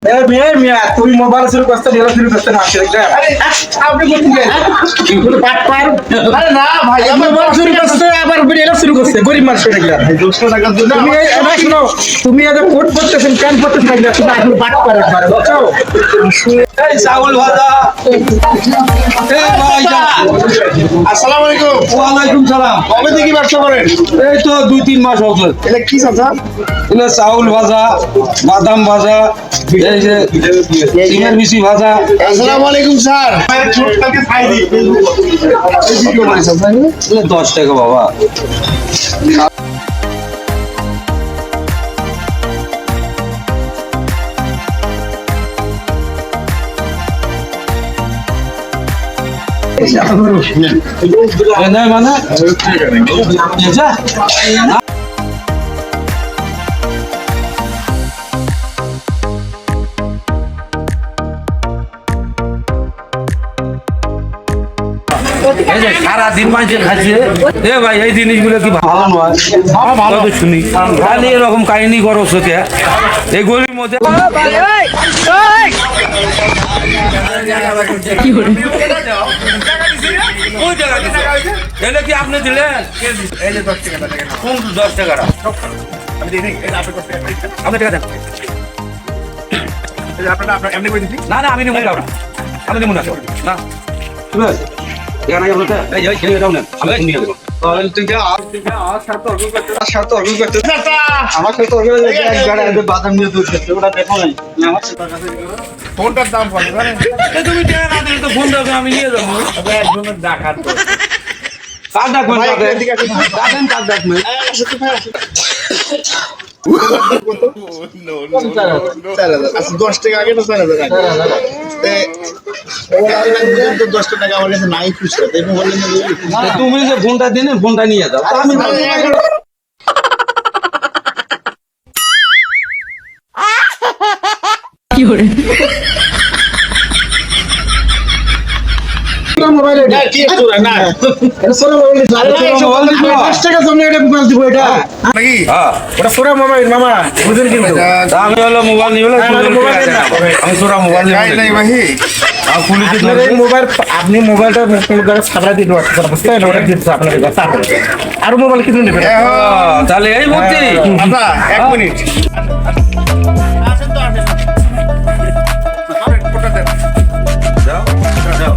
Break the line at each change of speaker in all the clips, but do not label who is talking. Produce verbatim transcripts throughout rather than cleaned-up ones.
এ মিয়া মিয়া তুমি মোবাইল শুরু করতে ঢেলা শুরু করতে না আসে আরে আপনি বলছেন কি তুমি পাট পার আরে না ভাই আমি মোবাইল শুরু করতে আবার ঢেলা শুরু করতে গরিব মানুষ এটা গিলা ভাই দুশো টাকার জন্য তুমি এই শুনো তুমি আজ কোট করতেছেন কেন করতেছেন না তুমি আসলে পাট পার একবার বুঝছো এই চাউল ভাজা এই ভাই
আসসালামু আলাইকুম।
ওয়া আলাইকুম সালাম
কবে থেকে ব্যবসা করেন?
এই তো দুই তিন মাস হচ্ছে
এটা কি চাচা?
এটা চাউল ভাজা বাদাম ভাজা এই যে সিমের মিশি ভাজা
আসসালামু আলাইকুম স্যার।
এটা দশ টাকা বাবা এনে মানে যা এই যে সারা দিন মানুষ খাচ্ছে এ ভাই এই জিনিসগুলো কি ভালো নয় ভালো শুনি খালি এরকম কাহিনী করো সোকে এই গরির মধ্যে কি আপনি দিলেন কোন দশ টাকাটা আপনি টাকা দেন না না আমি নিব না আমি নিব না না ঠিক আছে এখানে আপনার এই যে ছেলে দাও না আমি নিয়ে দেব তাহলে তুই যা আর সাথে অর্ডার করতে আর সাথে অর্ডর করতে চাচা আমার সাথে অর্ডার করে এক গাড়ি আগে বাদাম নিয়ে দুধ খেতে ওটা দেখো নাই আমার সাথে টাকা দিয়ে
ফোনটার দাম কত জানেন?
এই তুমি টাকা না দিলে তো ফোন দাও আমি নিয়ে যাব
তবে একজনের ডাকাত তো।
কার ডাকবেন
ভাই,
কাকে
এদিকে আসুন।
ডাকেন কার ডাকবেন
চার হাজার। আচ্ছা, দশ টাকা আগে তো চার হাজার আগে। তে, তো দশ টাকা আমার কাছে নাই খুচরা, তাই মোবাইলে নিয়ে যাবি?
তুমি যে ফোনটা দিনে ফোনটা নিয়ে যাও তা আমি মোবাইল
না, কি একটু না।
দশ টাকা জন্য এটা মোবাইল দিব এটা
নাকি?
হ্যাঁ
ওটা সোরা মোবাইল মামা, বুঝেন কিন্তু।
তা আমি হলো মোবাইল নিয়ে হলো
মোবাইল না।
আমি তোরা মোবাইল
গাই নাই
নিয়ে
ভাই।
আমি পুলিশে
আপনার এই মোবাইল আপনি মোবাইলটা সাপ্লাই দিয়ে দেওয়া বুঝতে পারলেন, ওটা দিচ্ছে আপনার কাছে আরো মোবাইল কিনে নেবেন।
তাহলে এই ভর্তি
আচ্ছা, এক মিনিট
যাও যাও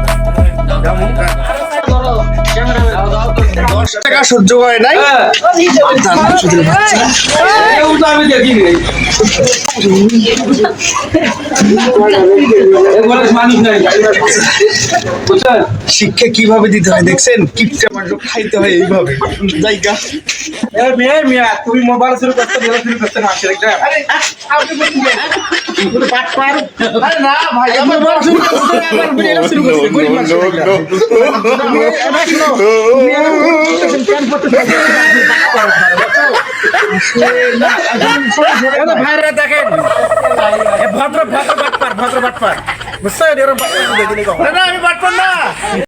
দশ টাকা সহ্য হয় নাই।
আমি দেখি মানুষ নাই বুঝছেন
শিক্ষা কিভাবে দিতে হয় দেখছেন? কিপটা মানুষ খাইতে হয় এইভাবে জায়গা।
এ মিয়া মিয়া তুমি মোবাইল শুরু করতে ঢেলা শুরু করতে না আসে আরে আপনি বলছেন কি তুমি পাট পার আরে না ভাই আমি মোবাইল শুরু করতে আবার ঢেলা শুরু করতে গরিব মানুষ তুমি এটা শুনো তুমি এটা করতেছেন কেন করতেছেন ভাইরা দেখেন ভদ্র ভদ্র বাটপার ভদ্র বাটপার বুঝছেন এরকম বাটপার দিলে না আমি বাটপার না